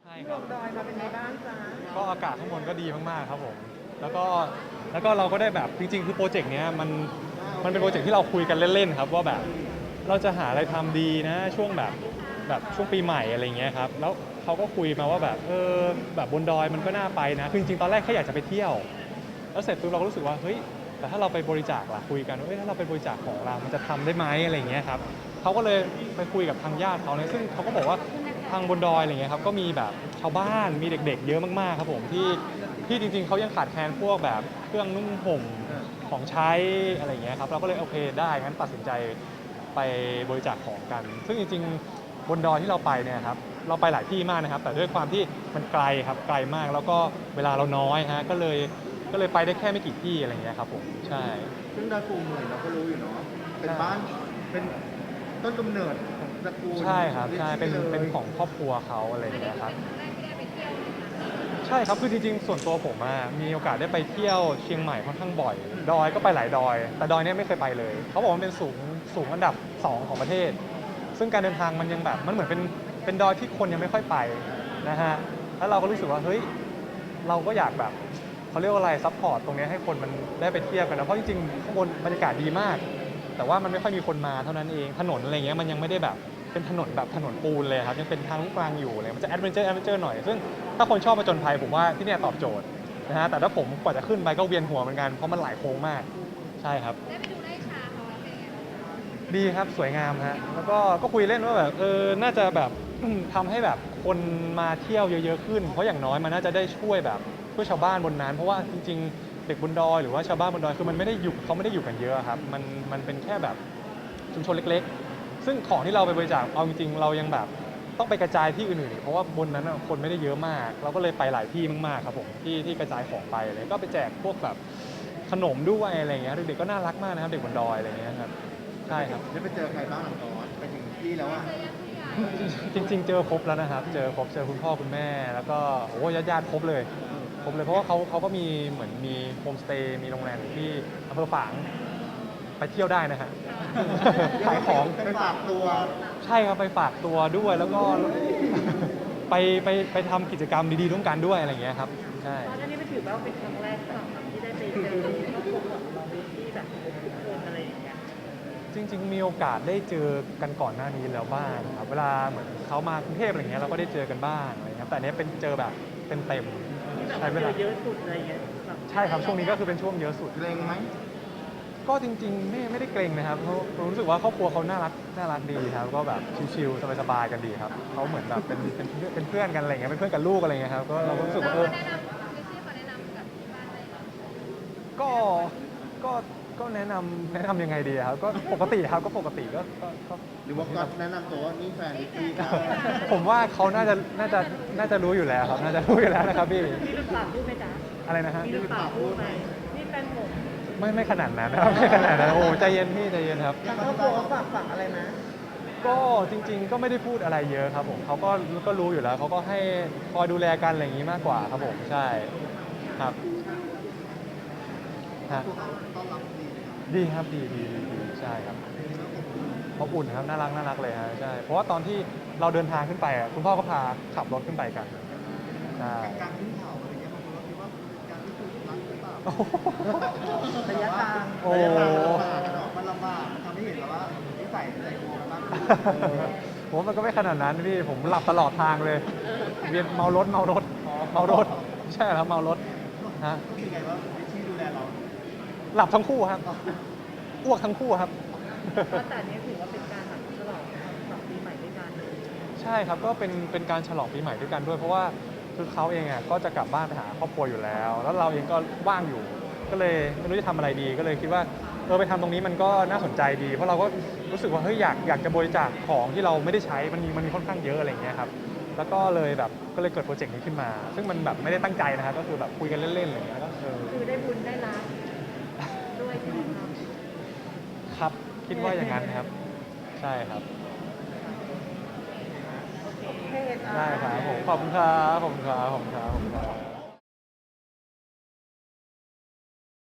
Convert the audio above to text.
ช่ครับลงดอยมาเป็นไงบ้างจ๊ะก็อากาศข้างบนก็ดีมากๆครับผมแล้วก็เราก็ได้แบบจริงๆคือโปรเจกต์เนี้ยมันเป็นโปรเจกต์ที่เราคุยกันเล่นๆครับว่าแบบเราจะหาอะไรทำดีนะช่วงแบบช่วงปีใหม่อะไรเงี้ยครับแล้วเขาก็คุยมาว่าแบบแบบบนดอยมันก็น่าไปนะคือจริงๆตอนแรกแค่อยากจะไปเที่ยวแล้วเสร็จปุ๊บเราก็รู้สึกว่าเฮ้ยแต่ถ้าเราไปบริจาคล่ะคุยกันว่าถ้าเราไปบริจาคของเรามันจะทำได้ไหมอะไรเงี้ยครับเขาก็เลยไปคุยกับทางญาติเขาเนี่ยซึ่งเขาก็บอกว่าทางบนดอยอะไรเงี้ยครับก็มีแบบชาวบ้านมีเด็กๆเยอะมากๆครับผมที่จริงๆเขายังขาดแคลนพวกแบบเครื่องนุ่งห่มของใช้อะไรเงี้ยครับเราก็เลยโอเคได้งั้นตัดสินใจไปบริจาคของกันซึ่งจริงๆบนดอยที่เราไปเนี่ยครับเราไปหลายที่มากนะครับแต่ด้วยความที่มันไกลครับไกลมากแล้วก็เวลาเราน้อยฮะก็เลยไปได้แค่ไม่กี่ที่อะไรเงี้ยครับผมใช่ซึ่งดอยปูเหมือนเราก็รู้อยู่เนาะเป็นบ้านเป็นต้นกำเนิดของตระกูลใช่ครับใช่เป็นลยของครอบครัวเขาอะไรอย่างเงี้ยครับใช่ครับคือจริงๆส่วนตัวผมมีโอกาสได้ไปเที่ยวเชียงใหม่ค่อนข้างบ่อยดอยก็ไปหลายดอยแต่ดอยเนี้ยไม่เคยไปเลยเขาบอกว่ามันเป็นสูงอันดับ2ของประเทศซึ่งการเดินทางมันยังแบบมันเหมือนเป็นดอยที่คนยังไม่ค่อยไปนะฮะแล้วเราก็รู้สึกว่าเฮ้ยเราก็อยากแบบเขาเรียกว่าอะไรซัพพอร์ตตรงนี้ให้คนมันได้ไปเที่ยวกันนะเพราะจริงๆข้างบนบรรยากาศดีมากแต่ว่ามันไม่ค่อยมีคนมาเท่านั้นเองถนนอะไรเงี้ยมันยังไม่ได้แบบเป็นถนนแบบถนนปูนเลยครับยังเป็นทางลูกรังอยู่เลยมันจะแอดเวนเจอร์หน่อยซึ่งถ้าคนชอบผจญภัยผมว่าที่นี่ตอบโจทย์นะฮะแต่ถ้าผมกว่าจะขึ้นไปก็เวียนหัวเหมือนกันเพราะมันหลายโค้งมากใช่ครับได้ไปดูไร่ชาเขาแล้วเป็นไงบ้างคะดีครับสวยงามฮะแล้วก็คุยเล่นว่าแบบน่าจะแบบทำให้แบบคนมาเที่ยวเยอะๆขึ้นเพราะอย่างน้อยมันน่าจะได้ช่วยแบบช่วยชาวบ้านบนนั้นเพราะว่าจริงๆเด็กบนดอยหรือว่าชาวบ้านบนดอยคือมันไม่ได้อยู่เขาไม่ได้อยู่กันเยอะครับมันเป็นแค่แบบชุมชนเล็กๆซึ่งของที่เราไปบริจาคเอาจริงๆเรายังแบบต้องไปกระจายที่อื่นๆอีกเพราะว่าบนนั้นคนไม่ได้เยอะมากเราก็เลยไปหลายที่มากๆครับผมที่กระจายของไปเลยก็ไปแจกพวกแบบขนมด้วยอะไรเงี้ยเด็กๆก็น่ารักมากนะครับเด็กบนดอยอะไรเงี้ยครับใช่ครับได้ไปเจอใครบ้างหลังตอนไปถึงที่แล้วอ่ะจริงๆเจอครบแล้วนะครับเจอครบเจอคุณพ่อคุณแม่แล้วก็โอ้ญาติๆครบเลยเพราะว่าเขาก็มีเหมือนมีโฮมสเตย์มีโรงแรมอยู่ที่อำเภอฝางไปเที่ยวได้นะฮะขายของไปฝากตัวใช่ครับไปฝากตัวด้วยแล้วก็ไปทำกิจกรรมดีๆร่วมกันด้วยอะไรอย่างเงี้ยครับใช่ตอนนี้ไม่ถือว่าเป็นครั้งแรกสำหรับที่ได้ไปเจอครอบครัวของเราที่แบบทุกคนอะไรอย่างเงี้ยจริงๆมีโอกาสได้เจอกันก่อนหน้านี้แล้วบ้างครับเวลาเหมือนเขามากรุงเทพอะไรเงี้ยเราก็ได้เจอกันบ้างอะไรเงี้ยแต่อันนี้เป็นเจอแบบเต็มๆใช้เวลาเยอะสุดอะไรเงี้ยใช่ครับช่วงนี้ก็คือเป็นช่วงเยอะสุดเกรงไหมก็จริงๆไม่ได้เกรงนะครับเพราะผมรู้สึกว่าครอบครัวเขาน่ารักดีครับก็แบบชิลๆสบายๆกันดีครับเขาเหมือนแบบเป็นเพื่อนกันอะไรเงี้ยเป็นเพื่อนกับลูกอะไรเงี้ยครับก็เราก็รู้สึกว่าเราก็แนะนำไม่ใช่เขาแนะนำกับที่บ้านอะไรหรอก็ก็แนะนำยังไงดีครับก็ปกติครับก็ปกติก็หรือว่าก็แนะนำตัวว่านี่แฟนนิกกี้ครับผมว่าเขาน่าจะรู้อยู่แล้วครับน่าจะรู้อยู่แล้วนะครับพี่มีลูกสาวพูดไหมจ๊ะอะไรนะฮะมีลูกสาวพูดไหมนี่แฟนผมไม่ขนาดนั้นนะครับไม่ขนาดนั้นโอ้ใจเย็นพี่ใจเย็นครับทางครอบครัวเขาฝากอะไรนะก็จริงๆก็ไม่ได้พูดอะไรเยอะครับผมเขาก็รู้อยู่แล้วเขาก็ให้คอยดูแลกันอะไรอย่างนี้มากกว่าครับผมใช่ครับฮะดีครับดีใช่ครับอบอุ่นครับน่ารักเลยฮะใช่เพราะว่าตอนที่เราเดินทางขึ้นไปคุณพ่อก็พาขับรถขึ้นไปกันใช่การขึ้นเขาอะไรเงี้ยบางคนก็คิดว่าเป็นการที่ถูกรักหรือเปล่าระยะทางโอ้ระยะทางมันลำบากอะเนาะมันลำบากมันทำให้เห็นแล้วว่านิสัยใจคอมันมากขึ้นผมมันก็ไม่ขนาดนั้นพี่ผมหลับตลอดทางเลยเวียนเมารถใช่ครับเมารถฮะรู้สึกไงว่าวิชี่ดูแลเราหลับทั้งคู่ครับอ้วกทั้งคู่ครับแต่นี้ถือว่าเป็นการแบบฉลองปีใหม่ด้วยกันใช่ครับก็เป็นการฉลองปีใหม่ด้วยกันด้วยเพราะว่าคือเขาเองก็จะกลับบ้านไปหาครอบครัวอยู่แล้วแล้วเราเองก็ว่างอยู่ก็เลยไม่รู้จะทำอะไรดีก็เลยคิดว่าไปทำตรงนี้มันก็น่าสนใจดีเพราะเราก็รู้สึกว่าเฮ้ยอยากจะบริจาคของที่เราไม่ได้ใช้มันมีค่อนข้างเยอะอะไรอย่างเงี้ยครับแล้วก็เลยแบบก็เลยเกิดโปรเจกต์นี้ขึ้นมา ซึ่งมันแบบไม่ได้ตั้งใจนะครับก็คือแบบคุยกันเล่นๆอะไรอย่างเงี้ยก็คือได้บุญได้รับด้วยใช่ไหมครับครับคิดว่าอย่างนั้นครับใช่ครับโอเคได้ครับผมขอบคุณครับ